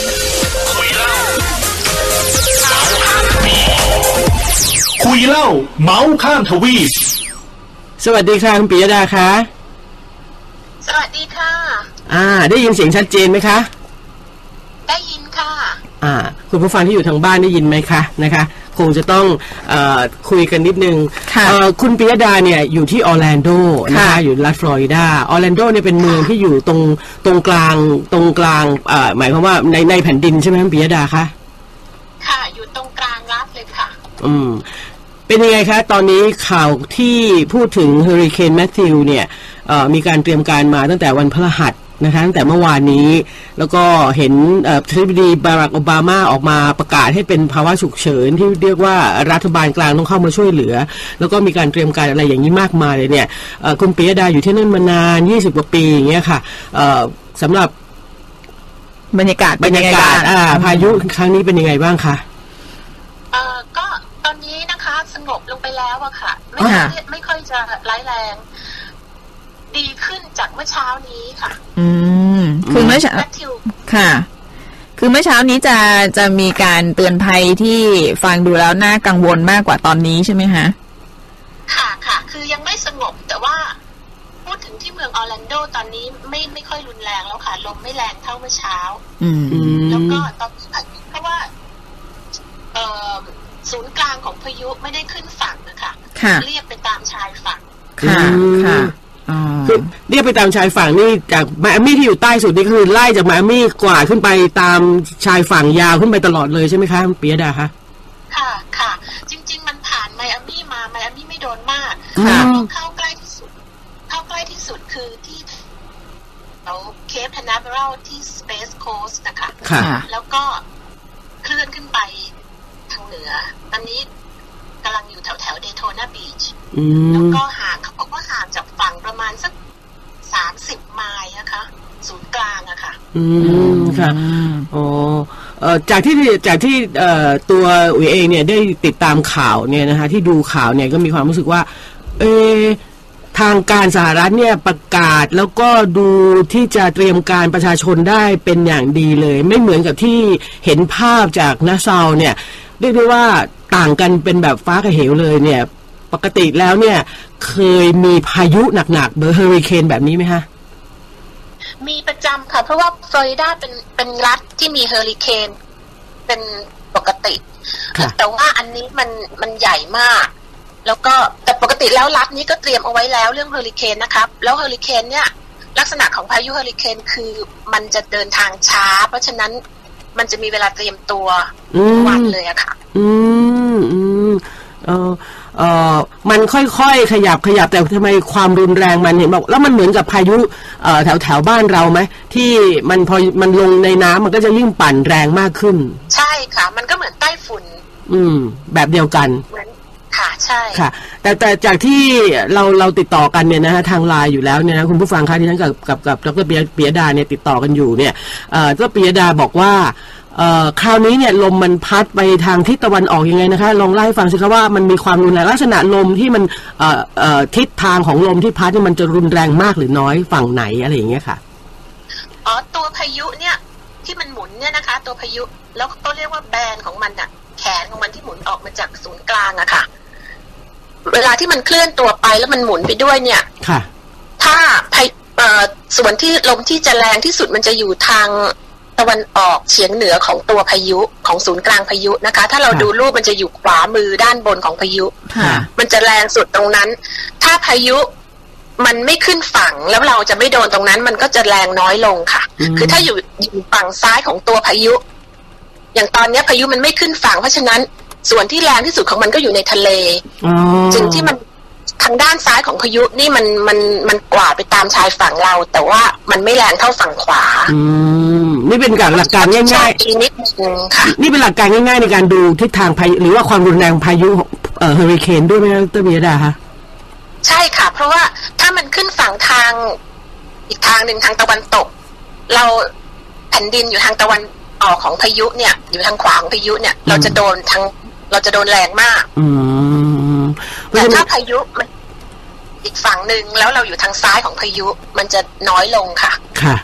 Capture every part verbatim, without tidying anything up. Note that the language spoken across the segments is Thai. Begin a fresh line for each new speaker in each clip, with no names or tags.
คุยเล่าเมาส์ข้ามทวีป
สวัสดีค่ะคุณปิยดาคะ
สวัสดีค่ะ
อ่าได้ยินเสียงชัดเจนไหมคะ
ได้ยินค่ะ
อ่าคุณผู้ฟังที่อยู่ทางบ้านได้ยินไหมคะนะคะคงจะต้องเอ่อคุยกันนิดนึงค่ะคุณปิยดาเนี่ยอยู่ที่ออร์แลนโดนะคะอยู่รัฐฟลอริดาออร์แลนโดเนี่ยเป็นเมืองที่อยู่ตรงตรงกลางตรงกลางเอ่อหมายความว่าในในแผ่นดินใช่ไหมคุณปิยดาคะ
ค่ะอยู่ตรงกลางรัฐเลยค่ะ
อืมเป็นยังไงคะตอนนี้ข่าวที่พูดถึงเฮอริเคนแมทธิวเนี่ยมีการเตรียมการมาตั้งแต่วันพฤหัสนะคะตั้งแต่เมื่อวานนี้แล้วก็เห็นประธานาธิบดีบารักโอบามาออกมาประกาศให้เป็นภาวะฉุกเฉินที่เรียกว่ารัฐบาลกลางต้องเข้ามาช่วยเหลือแล้วก็มีการเตรียมการอะไรอย่างนี้มากมายเลยเนี่ยคุณปิยดาอยู่ที่นั่นมานานยี่สิบกว่าปีอย่างเงี้ยค่ะสำหรับบรรยากาศบรรยากาศพายุครั้งนี้เป็นยังไงบ้างคะ
เอ่อก็ตอนนี้นะคะสงบลงไปแล้วอะค่ะไม่ไม่ค่อยจะร้ายแรงดีขึ้นจากเมื่อเช้านี้ค่ะ
อืมคือเมื่อเช้าค่ะคือเมื่อเช้านี้จะจะมีการเตือนภัยที่ฟังดูแล้วน่ากังวลมากกว่าตอนนี้ใช่ไหมคะ
ค่ะค่ะคือยังไม่สงบแต่ว่าพูดถึงที่เมืองออร์แลนโดตอนนี้ไม่ไม่ค่อยรุนแรงแล้วค่ะลมไม่แรงเท่าเมื่อเช้าอืมแล้วก็ตอนเพราะว่าเอ่อศูนย์กลางของพายุไม่ได้ขึ้นฝั่งนะคะเรียบไปตามชายฝั่ง
ค่ะค่ะคือเรียกไปตามชายฝั่งนี่จากไมอามี่ที่อยู่ใต้สุดนี่คือไล่จากไมอามี่กว่าขึ้นไปตามชายฝั่งยาวขึ้นไปตลอดเลยใช่ไหมคะปิยดาคะ
ค่ะค่ะจริงๆมันผ่านไมอามี่มาไมอามี่ไม่โดนมากเข้าใกล้ที่สุดเข้าใกล้ที่สุดคือที่เอาเคปแคนาเวอรัลที่สเปซโคสต์นะคะแล้วก็เคลื่อนขึ้นไปทางเหนือตอนนี้กำลังอยู่แถวแถวเดโทนาบีชแล้วก็ห่างเขาบอกว่าห่างจากฝั่งประมาณสักสามสิบไมล์นะคะศูนย์กลางอะค่ะ
อืมค่ะอ๋อเอ่อจากที่จากที่เอ่อตัวอุ๋ยเองเนี่ยได้ติดตามข่าวเนี่ยนะคะที่ดูข่าวเนี่ยก็มีความรู้สึกว่าเออทางการสหรัฐเนี่ยประกาศแล้วก็ดูที่จะเตรียมการประชาชนได้เป็นอย่างดีเลยไม่เหมือนกับที่เห็นภาพจากนาซาวเนี่ยเรียกได้ว่าต่างกันเป็นแบบฟ้ากับเหวเลยเนี่ยปกติแล้วเนี่ยเคยมีพายุหนักๆเบอร์เฮอริเคนแบบนี้ไหมคะ
มีประจำค่ะเพราะว่าฟลอริดาเป็นเป็นรัฐที่มีเฮอริเคนเป็นปกติแต่ว่าอันนี้มันมันใหญ่มากแล้วก็แต่ปกติแล้วรัฐนี้ก็เตรียมเอาไว้แล้วเรื่องเฮอริเคนนะครับแล้วเฮอริเคนเนี่ยลักษณะของพายุเฮอริเคนคือมันจะเดินทางช้าเพราะฉะนั้นมันจะมีเวลาเตรียมตัววันเลยอะค่ะ
อืมอืมเออเออมันค่อยๆขยับขยับแต่ทำไมความรุนแรงมันเห็นบอกแล้วมันเหมือนกับพายุเอ่อแถวแถวบ้านเราไหมที่มันพอมันลงในน้ำมันก็จะยิ่งปั่นแรงมากขึ้น
ใช่ค่ะมันก็เหมือนใต้ฝุ่น
อืมแบบเดียวกัน
ค่ะใช่
ค่ะแต่แต่จากที่เราเราติดต่อกันเนี่ยนะฮะทางไลน์อยู่แล้วเนี่ยนะคุณผู้ฟังคะที่ฉันกับกับกับดร.ปิยดาเนี่ยติดต่อกันอยู่เนี่ยเอ่อดร.ปิยดาบอกว่าเอ่อคราวนี้เนี่ยลมมันพัดไปทางทิศตะวันออกยังไงนะคะลองเล่าให้ฟังสิคะว่ามันมีความรุนแรงลักษณะลมที่มันเอ่อเอ่อทิศทางของลมที่พัดเนี่ยมันจะรุนแรงมากหรือน้อยฝั่งไหนอะไรอย่างเงี้ยค่ะ
อ๋อตัวพายุเนี่ยที่มันหมุนเนี่ยนะคะตัวพายุแล้วก็เรียกว่าแบนของมันอะแขนของมันที่หมุนออกมาจากศูนย์กลางอะค่ะเวลาที่มันเคลื่อนตัวไปแล้วมันหมุนไปด้วยเนี่ยค่ะถ้าเอ่อส่วนที่ลมที่จะแรงที่สุดมันจะอยู่ทางตะวันออกเฉียงเหนือของตัวพายุของศูนย์กลางพายุนะคะถ้าเราดูรูปมันจะอยู่ขวามือด้านบนของพายุมันจะแรงสุดตรงนั้นถ้าพายุมันไม่ขึ้นฝั่งแล้วเราจะไม่โดนตรงนั้นมันก็จะแรงน้อยลงค่ะคือถ้าอยู่อยู่ฝั่งซ้ายของตัวพายุอย่างตอนนี้พายุมันไม่ขึ้นฝั่งเพราะฉะนั้นส่วนที่แรงที่สุดของมันก็อยู่ในทะเลจึงที่มันทางด้านซ้ายของพายุนี่มันมันมันกวาดไปตามชายฝั่งเราแต่ว่ามันไม่แรงเท่าฝั่งขวา
อืมนี่เป็นการหลักการง่าย
ๆนิดนึงค่ะ
นี่เป็นหลักการง่ายๆในการดูทิศทางพายุหรือว่าความรุนแรงพายุเอ่อเฮอริเคนด้วยไหมดร.ปิยดาคะ
ใช่ค่ะเพราะว่าถ้ามันขึ้นฝั่งทางอีกทางหนึ่งทางตะวันตกเราแผ่นดินอยู่ทางตะวันออกของพายุเนี่ยอยู่ทางขวาของพายุเนี่ยเราจะโดนทางเราจะโดนแรงมากแต่ถ้าพายุมันอีกฝั่งหนึ่งแล้วเราอยู่ทางซ้ายของพายุมันจะน้อยลงค่ะ
ค่ะ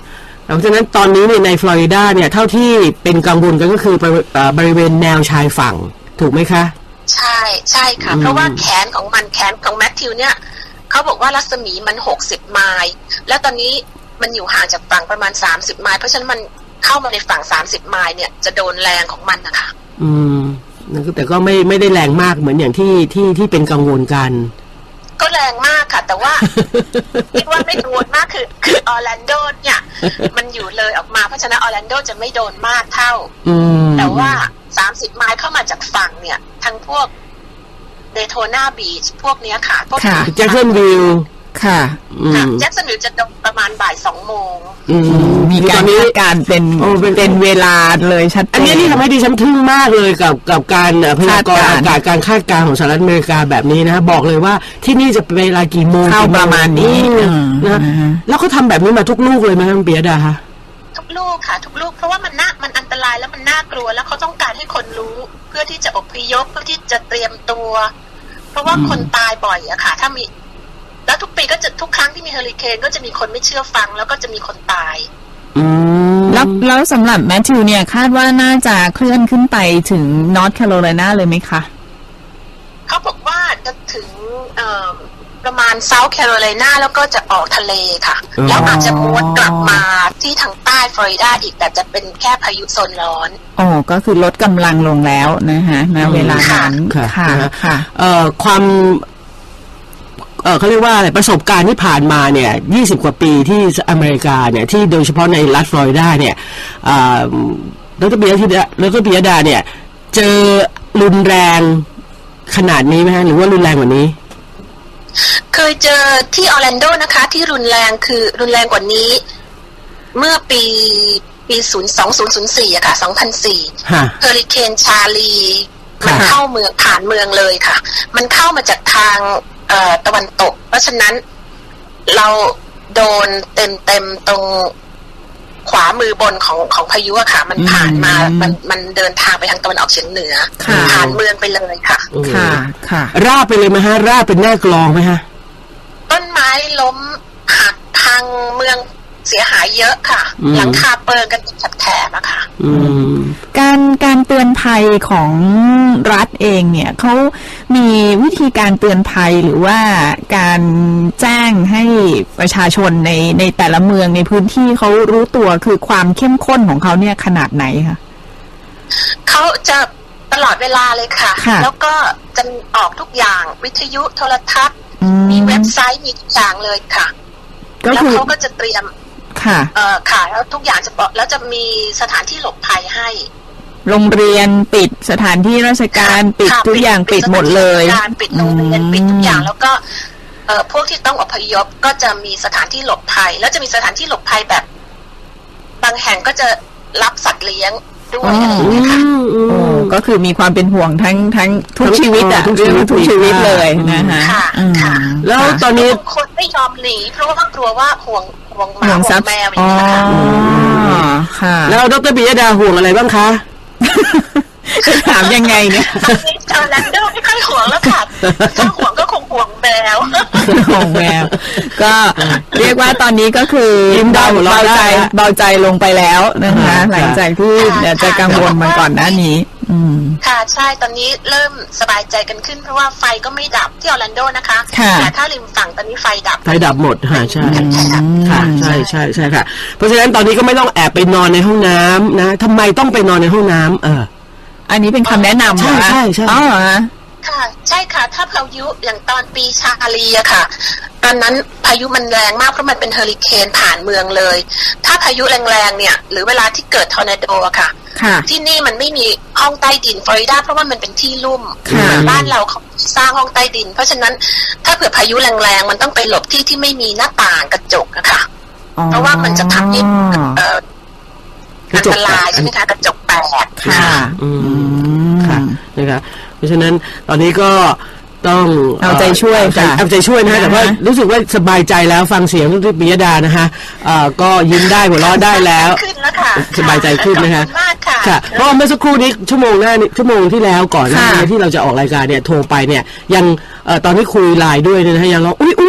เพราะฉะนั้นตอนนี้เนี่ยในฟลอริดาเนี่ยเท่าที่เป็นกังวลกันก็คือบริเวณแนวชายฝั่งถูกไหมคะ
ใช่ใช่ค่ะเพราะว่าแขนของมันแขนของแมทธิวเนี่ยเขาบอกว่ารัศมีมันหกสิบไมล์แล้วตอนนี้มันอยู่ห่างจากฝั่งประมาณสามสิบไมล์เพราะฉะนั้นมันเข้ามาในฝั่งสามสิบไมล์เนี่ยจะโดนแรงของมันนะคะ
อืมแต่ก็ไม่ไม่ได้แรงมากเหมือนอย่างที่ที่ที่เป็นกังวลกัน
ก็แรงมากค่ะแต่ว่าคิดว่าไม่กังวลมากคือคือออร์แลนโดเนี่ยมันอยู่เลยออกมาเพราะฉะนั้นออร์แลนโดจะไม่โดนมากเท่าแต่ว่าสามสิบไมล์เข้ามาจากฝั่งเนี่ยทั้งพวกเดโทนาบีชพวกเนี้ยค่ะพวก
แจ็คสันวิลค่ะ
แจ็คสันวิลจะโดนประมาณบ่ายสองโมง
มีการคาดการเป็นเป็นเวลาเลยชัดเจน
อันนี้ที่ทำให้ดิฉันทึ่งมากเลยกับกับการพยากรณ์อากาศการคาดการณ์ของสหรัฐอเมริกาแบบนี้นะบอกเลยว่าที่นี่จะเป็นเวลากี่โมง
เข้าประมาณนี้
นะแล้วเขาทำแบบนี้มาทุกลูกเลยไหมคุณเปียดาคะ
ทุกลูกค่ะทุกลูกเพราะว่ามันน่ามันอันตรายแล้วมันน่ากลัวแล้วเขาต้องการให้คนรู้เพื่อที่จะอพยพเพื่อที่จะเตรียมตัวเพราะว่าคนตายบ่อยอะค่ะถ้ามีแล้วทุกปีก็จะทุกครั้งที่มีเฮอริเคนก็จะมีคนไม่เชื่อฟังแล้วก็จะมีคนตาย
แล้วแล้วสำหรับแมทธิวเนี่ยคาดว่าน่าจะเคลื่อนขึ้นไปถึงนอร์ทแคโรไลนาเลยไหมคะ
เขาบอกว่าจะถึงประมาณเซาท์แคโรไลนาแล้วก็จะออกทะเลค่ะแล้วอาจจะม้วนกลับมาที่ทางใต้ฟลอริดาอีกแต่จะเป็นแค่พายุโซนร้อน
อ๋อก็คือลดกำลังลงแล้วนะคะณเวลานั้น
ค่ะค่ะเอ่อความเออเขาเรียกว่าอะไรประสบการณ์ที่ผ่านมาเนี่ยยี่สิบกว่าปีที่อเมริกาเนี่ยที่โดยเฉพาะในรัฐฟลอริดาเนี่ยอ่าแล้วก็เบียดาแล้วก็เบียดาเนี่ยเจอรุนแรงขนาดนี้ไหมฮะหรือว่ารุนแรงกว่านี้
เคยเจอที่ออร์แลนโดนะคะที่รุนแรงคือรุนแรงกว่านี้เมื่อปีปีศูนย์สองศูนย์ศูนย์สี่อะค่ะสองพันสี่เฮอริเคนชาลีมันเข้าเมืองผ่านเมืองเลยค่ะมันเข้ามาจากทางเอ่อตะวันตกเพราะฉะนั้นเราโดนเต็มเต็มตรงขวามือบนของของพายุอะค่ะมันผ่านมามันมันเดินทางไปทางตะวันออกเฉียงเหนือผ่านเมืองไปเลยค่ะ
ค่ะค่ะราบไปเลยไหมฮะราบเป็นหน้ากลองไหมฮะ
ต้นไม้ล้มหักพังเมืองเสียหายเยอะค่ะหลังคาเปิดกันแถบๆอะค่ะ
การการเตือนภัยของรัฐเองเนี่ยเขามีวิธีการเตือนภัยหรือว่าการแจ้งให้ประชาชนในในแต่ละเมืองในพื้นที่เขารู้ตัวคือความเข้มข้นของเขาเนี่ยขนาดไหนคะ
เขาจะตลอดเวลาเลยค่ะแล้วก็จะออกทุกอย่างวิทยุโทรทัศน์มีเว็บไซต์มีทุกอย่างเลยค่ะแล้วเขาก็จะเตรียม
ค่ะ
เอ่อค่ะแล้วทุกอย่างจะบอกแล้วจะมีสถานที่หลบภัยให้
โรงเรียนปิดสถานที่ราชการปิดทุกอย่างปิดหมดเลย
การปิดโรงเรียนปิดทุกอย่างแล้วก็เอ่อพวกที่ต้องอพยพก็จะมีสถานที่หลบภัยแล้วจะมีสถานที่หลบภัยแบบบางแห่งก็จะรับสัตว์เลี้ยงด้วยอะไรอย่างเงี้ยค่ะ
ก็คือมีความเป็นห่วงทั้งทั้งทุกชีวิตอะทุกชีวิตทุกชีวิตเลยนะคะ
ค่ะ
แล้วตอนนี้
คนไม่ยอมหนีเพราะว่ากลัวว่าห่วงห่วงหมาห่วงแมวอย่างเงี้ย
ค่ะแล้วดร.ปิยดาห่วงอะไรบ้างคะ
ถามยังไงเนี่ย
ตอนนี้ออร์แลนโดไม่ค่อยห่วงแล้วค่ะถ้าห่วงก็คงห่วงแมว
ห่วงแมวก็เรียกว่าตอนนี้ก็คือเบาเบาใจเบาใจลงไปแล้วนะคะหลังจากที่จะกังวลมาก่อนหน้านี้
ค่ะใช่ตอนนี้เริ่มสบายใจกันขึ้นเพราะว่าไฟก็ไม่ดับที่ออร์แลนโดนะคะแต่ถ้าริมฝั่งตอนนี้ไฟดับ
ไฟดับหมดค่ะใช่ค่ะใช่ใช่ใช่ค่ะเพราะฉะนั้นตอนนี้ก็ไม่ต้องแอบไปนอนในห้องน้ำนะทำไมต้องไปนอนในห้องน้ำเออ
อันนี้เป็นคำแนะนำ
ใช่ใช่ใช่
อ๋อ
ค่ะใช่ค่ะถ้าพายุอย่างตอนปีชาลีอะค่ะตอนนั้นพายุมันแรงมากเพราะมันเป็นเฮอริเคนผ่านเมืองเลยถ้าพายุแรงๆเนี่ยหรือเวลาที่เกิดทอร์นาโดอะค่ะที่นี่มันไม่มีห้องใต้ดินฟลอริดาเพราะว่ามันเป็นที่ลุ่มบ้านเราเขาสร้างห้องใต้ดินเพราะฉะนั้นถ้าเผื่อพายุแรงๆมันต้องไปหลบที่ที่ไม่มีหน้าต่างกระจกอะค่ะเพราะว่ามันจะทำให้อันตรายใช่ไหมคะกระจกแตก
ค่ะอืมค่ะนะคะเพราะฉะนั้นตอนนี้ก็ต้อง
เอาใจช่วยค่ะ
เอาใจช่วยนะฮะแต่ว่ารู้สึกว่าสบายใจแล้วฟังเสียงที่ปิยดานะคะเอ่อก็ยิ้มได้หัวเราะได้แล้วสบายใจขึ้นนะคะค่ะเพราะเมื่อสักครู่นี้ชั่วโมงหน้าชั่วโมงที่แล้วก่อนหน้านี้ที่เราจะออกรายการเนี่ยโทรไปเนี่ยยังเอ่อตอนที่คุยไลน์ด้วยเนี่ยนะฮะยังร้องอุ๊ยอุ๊ยอุ๊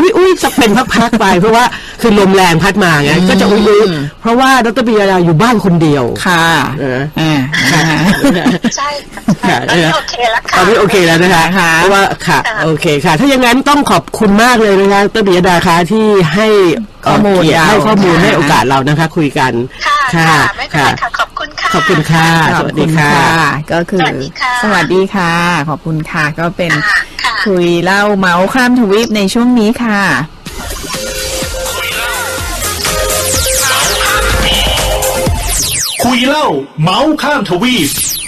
อุ้ยอุ้ยจะเป็นพักๆไปเพราะว่าคือลมแรงพัดมาไงก็จะอุ้ยอุ้ยเพราะว่าดรปิยดาอยู่บ้านคนเดียว
ค่ะ
เออ
อ่า
ใช่ค่ะตอนนี้โอเคแล้วค่ะ
ตอนนี้โอเคแล้วนะคะ
ค่ะ
เพราะว่าค่ะ
ค่ะ
โอเคค่ะ ถ้าอย่างนั้นต้องขอบคุณมากเลยนะคะดรปิยดาคะที่ให้เ
ข้อมูล
เกียรติให้ข้อมูล
ค่ะ
ให้โอกาสเรานะคะ คุยกัน
ค่ะค่ะไม่เป็นไรค่ะขอบคุณค่ะ
ขอบคุณค่ะสวัสดีค่ะ
ก็คือ
สวัสดีค่ะ
สวัสดีค่ะ ขอบคุณค่ะ ก็เป็น
ค่ะค่ะ
คุยเล่าเมาส์ข้ามทวีปในช่วงนี้ค่ะ
คุยเล่าเมาส์ข้ามทวีป